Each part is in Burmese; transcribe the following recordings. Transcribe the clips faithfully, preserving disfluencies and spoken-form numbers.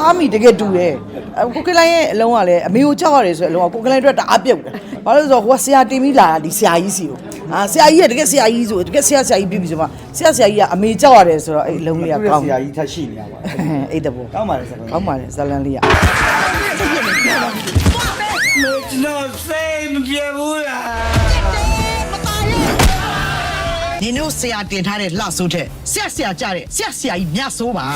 သားမိတကယ်တူတယ်ကိုကလိုင်းရဲ့အလုံးကလည်းအမေကိုကြောက်ရတယ်ဆိုတဲ့အလုံးကကိုကလိုင်းအတွက်တအားပြုတ်တယ်ဘာလို့လဲဆိုတော့ဟိုကဆရာတင်ပြီးလာတာဒီဆရာကြီးစီကိုအာဆရာကြီးကတကယ်ဆရာကြီးဆိုတကယ်ဆရာဆရာကြီးပြီးပြီဆိုမှဆရာဆရာကြီးကအမေကြောက်ရတယ်ဆိုတော့အဲ့အလုံးလေးကကောင်းဆရာကြီးထက်ရှိနေရပါအဲ့တဘောကောင်းပါလေဇလန်ကောင်းပါလေဇလန်လေးက No sé, me pierdo. နင်တို့ဆရာတင်ထားတဲ့လှဆိုးတဲ့ဆရာဆရာကြတဲ့ဆရာဆရာကြီးမြတ်ဆိုးပါ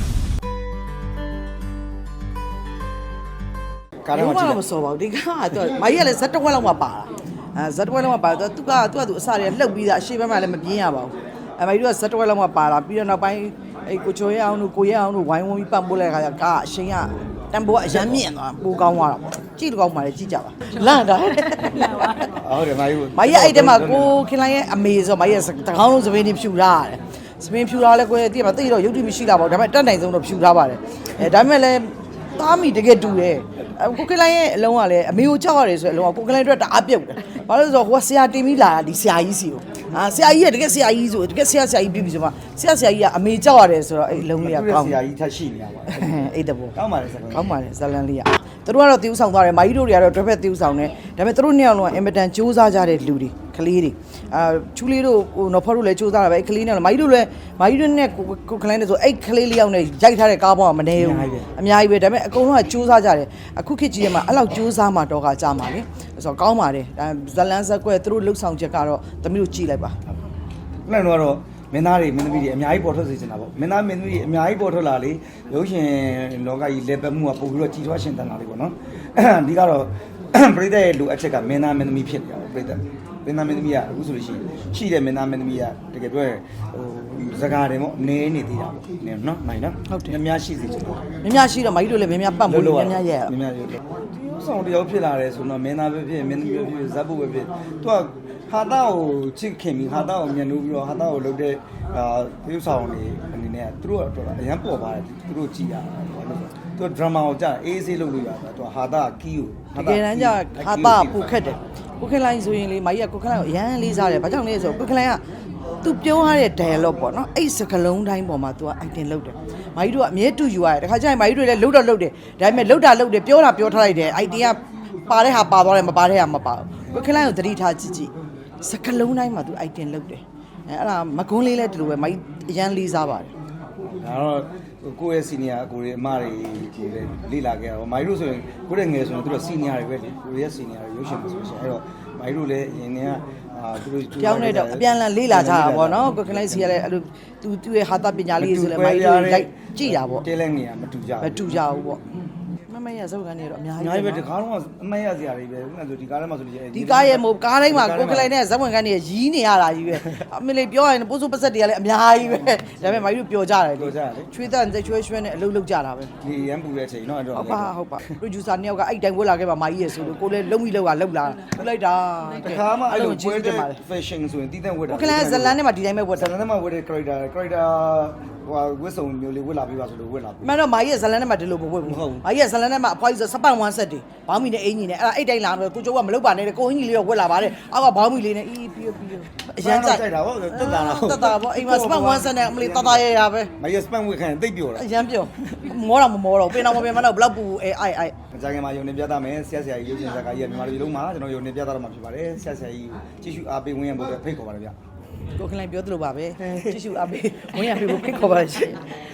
ကားတော့ကြည့်မစောပါဘူးဒီကတော့မကြီးကလည်းဇက်တစ်ဝက်လောက်မှပါတာအဲဇက်တစ်ဝက်လောက်မှပါတော့သူကသူကသူအစတွေကလှုပ်ပြီးသားအရှိဘက်မှလည်းမပြင်းရပါဘူးအဲမကြီးတို့ကဇက်တစ်ဝက်လောက်မှပါလာပြီးတော့နောက်ပိုင်းအဲ့ကိုချိုရဲအောင်တို့ကိုရဲအောင်တို့ဝိုင်းဝန်းပြီးပတ်ပိုးလိုက်ခါကျကားအရှင်ကတန်ဖိုးကအရမ်းမြင့်သွားပိုကောင်းသွားတာပေါ့ကြည့်လို့ကောင်းပါလေကြည့်ကြပါလန့်တာဟုတ်တယ်မကြီးမကြီးအဲ့တဲမှာကိုခင်လိုင်းရဲ့အမေဆိုမကြီးတကောင်းလုံးစပင်းတွေဖြူထားရတယ်စပင်းဖြူထားလဲကိုယ်တည့်မှာတိတော့ရုပ်တိမရှိလာပါဘူးဒါပေမဲ့တက်နိုင်ဆုံးတော့ဖြူထားပါတယ်အဲဒါပေမဲ့လည်းသားမိတကယ်တူတယ်ကိုကလိုင်းရဲ့အလုံးကလည်းအမေကိုကြောက်ရတယ်ဆိုတဲ့အလုံးကကိုကလိုင်းအတွက်တအားပြုတ်တယ်ဘာလို့လဲဆိုတော့ဟိုကဆရာတင်ပြီးလာတာဒီဆရာကြီးစီကိုအာဆရာကြီးကတကယ်ဆရာကြီးဆိုတကယ်ဆရာဆရာကြီးပြီးပြီဆိုမှဆရာဆရာကြီးကအမေကြောက်ရတယ်ဆိုတော့အဲ့အလုံးလေးကကောင်းဆရာကြီးထက်ရှိနေရပါအဲ့တဘောကောင်းပါလေဇလန်ကောင်းပါလေဇလန်လေးကသူတို့ကတော့တီးဥဆောင်သွားတယ်မာကြီးတို့တွေကတော့တွဲဖက်တီးဥဆောင်တယ်ဒါပေမဲ့သူတို့နှစ်ယောက်လုံးကအင်မတန်စူးစမ်းကြတဲ့လူတွေကလေးတွေအာချူလေးတို့ဟိုနော်ဖော်တို့လည်းစူးစမ်းတာပဲကလေးနဲ့မာကြီးတို့လည်းမာကြီးတို့နဲ့ကိုကလိုင်းနဲ့ဆိုအဲ့ကလေးလေးယောက်နဲ့ရိုက်ထားတဲ့ကားပေါ်ကမနေဘူးအများကြီးပဲဒါပေမဲ့အကုန်လုံးကစူးစမ်းကြတယ်အခုခေတ်ကြီးထဲမှာအဲ့လောက်စူးစမ်းမှတော့ကကြာမှာလေဆိုတော့ကောင်းပါတယ်ဒါဇလန်ဇက်ကွဲသူတို့လှုပ်ဆောင်ချက်ကတော့သမီးတို့ကြည့်လိုက်ပါခုနကတော့မင်းသားတွေမင်းသမီးတွေအများကြီးပေါ်ထွက်စေချင်တာပေါ့မင်းသားမင်းသမီးတွေအများကြီးပေါ်ထွက်လာလေရုပ်ရှင်လောကကြီးလေပတ်မှုကပို့ပြီးတော့ကြီးထွားရှင်တန်လာလေးပေါ့နော်ဒီကတော့ပရိသတ်ရဲ့လူအချက်ကမင်းသားမင်းသမီးဖြစ်နေတာပေါ့ပရိသတ်မင်းသားမင်းသမီးကအခုဆိုလို့ရှိရင်ရှိတဲ့မင်းသားမင်းသမီးကတကယ်ပြောရင်ဟိုစကားတယ်ပေါ့နည်းနေသေးတာပေါ့နည်းနော်နိုင်နော်ဟုတ်တယ်များများရှိစေချင်တယ်များများရှိတော့မကြီးတို့လည်းများများပတ်ဖို့များများရဲ့များများရဲ့ဒီဆောင်တယောက်ဖြစ်လာတယ်ဆိုတော့မင်းသားပဲဖြစ်မင်းသမီးပဲဖြစ်ဇက်ဖို့ပဲဖြစ်သူကဟာတာကိုချစ်ခင်ပြီးဟာတာကိုညှဉ်းနှိုးပြီးတော့ဟာတာကိုလုပ်တဲ့အာဒီဆောင်နေအနေနဲ့သူတို့ကတော့အရန်ပေါ်ပါတယ်သူတို့ကြည်ရတာဘာလို့လဲသူဒရမာကိုကြာအေးဆေးလုပ်လို့ရတာသူဟာတာကီးကိုတကယ်တမ်းကျဟာတာပူခက်တယ်ကိုခင်လိုင်းဆိုရင်လေမကြီးကကိုခင်လိုင်းကိုအရန်လေးစားတယ်ဘာကြောင့်လဲဆိုတော့ကိုခင်လိုင်းကသူပြောရတဲ့ dialogue ပေါ့နော်အဲ့စကလုံးတိုင်းပေါ်မှာ तू က item လုပ်တယ်မကြီးတို့ကအမြဲတူယူရတယ်တခါကျရင်မကြီးတို့လည်းလှုပ်တော့လှုပ်တယ်ဒါပေမဲ့လှုပ်တာလှုပ်တယ်ပြောတာပြောထားလိုက်တယ် item ကပါတဲ့ဟာပါသွားတယ်မပါတဲ့ဟာမပါဘူးကိုခင်လိုင်းကိုသတိထားကြည့်ကြည့်စကလုံးတိုင်းမှာ तू item လုပ်တယ်အဲအဲ့ဒါမကွန်းလေးလည်းဒီလိုပဲမကြီးအရန်လေးစားပါတယ်ဒါတော့ကိုယ့်ရဲ့ senior ကိုရဲ့အမတွေကိုလည်းလေ့လာခဲ့တာပေါ့မိုင်းတို့ဆိုရင်ကိုယ့်ရဲ့ငယ်ဆိုရင်သူတို့ senior တွေပဲလေကိုရဲ့ senior တွေရုပ်ရှင်မှာဆိုရှင်အဲ့တော့မိုင်းတို့လည်းအရင်ကအာသူတို့ကြောင်းနေတော့အပြန်လန်လေ့လာကြတာပေါ့နော်ကိုခင်လိုက်စီကလည်းအဲ့လိုသူသူရဲ့ဟာတာပညာလေးဆိုလည်းမိုင်းတို့ရိုက်ကြည့်တာပေါ့တဲလဲနေရမတူကြဘူးမတူကြဘူးပေါ့မမရဇောက်ကနေတော့အများကြီးအများကြီးပဲဒီကားတော့အမှတ်ရစရာတွေပဲဥပမာဆိုဒီကားထဲမှာဆိုလို့ဒီကားရဲ့မို့ကားတိုင်းမှာကိုကလိုက်နဲ့ဇက်ဝင်ကန်တွေရီးနေရတာကြီးပဲအမေလေးပြောရရင်ပိုးစိုးပစက်တွေကလည်းအများကြီးပဲဒါပေမဲ့မိုင်းတို့ပျော်ကြတယ်လေချွေးတန်ချွေးချွေးနဲ့အလုပ်လုပ်ကြတာပဲဒီရမ်းပူတဲ့အချိန်နော်အဲ့တော့ဟုတ်ပါဟုတ်ပါ producer နှစ်ယောက်ကအဲ့တိုင်းဝက်လာခဲ့ပါမိုင်းရဲ့ဆိုလို့ကိုလည်းလုံးပြီးလောက်တာလောက်လာထူလိုက်တာတခါမှအဲ့လိုပွဲတဲ့ fashion ဆိုရင်တီးတဲ့ဝက်တာကိုကလိုက်ဇလန်နဲ့မှဒီတိုင်းပဲဝက်ဇလန်နဲ့မှဝက်တဲ့ character character ဟိုဝက်စုံမျိုးလေးဝက်လာပြီးပါဆိုလို့ဝက်လာပြီမှန်တော့မိုင်းရဲ့ဇလန်နဲ့မှဒီလိုမဝက်ဘူးမိုင်းရဲ့ဇလန်နဲ့မှအဖွားကြီးဆိုစပတ်ဝမ်းဆက်တွေဘောင်းမီနဲ့အင်ကြီးနဲ့အဲ့ဒါအိတ်တိုင်းလာတော့ကိုကျိုးကမလုပ်ပါနဲ့ကိုအင်ကြီးလေးတော့ဝက်လာပါတယ်အောက်ကဘောင်းမီလေးနဲ့အီးပြီးပြီးအရန်ကြိုက်တာဗောတက်တာလားတက်တာဗောအိမ်မှာစပတ်ဝမ်းဆက်နဲ့အမလေးတတရရပဲမိုင်းရဲ့ spam ဝက်ခံတိတ်ပြောတာအရန်ပြောမောတော့မမောတော့ပင်တော့မပင်မတော့ဘလောက်ပူအဲအိုက်အိုက်မကြခင်မှာယုံနေပြသမယ်ဆရာဆရာကြီးရုပ်ရှင်ဇာတ်ကားကြီးမြန်မာပြည်လုံးမှာကျွန်တော်ယုံနေပြသတော့မှာဖြစ်ပါတယ်ဆရာဆရာကြီးကြည့်ရှုအားပေးဝင်ရဖို့ဖိတ်ခေါ်ပါတယ်ဗျကိုခင်လိုက်ပြောသလိုပါပဲကြည့်ရှုအားပေးဝင်ရဖို့ဖိတ်ခေါ်ပါရှင်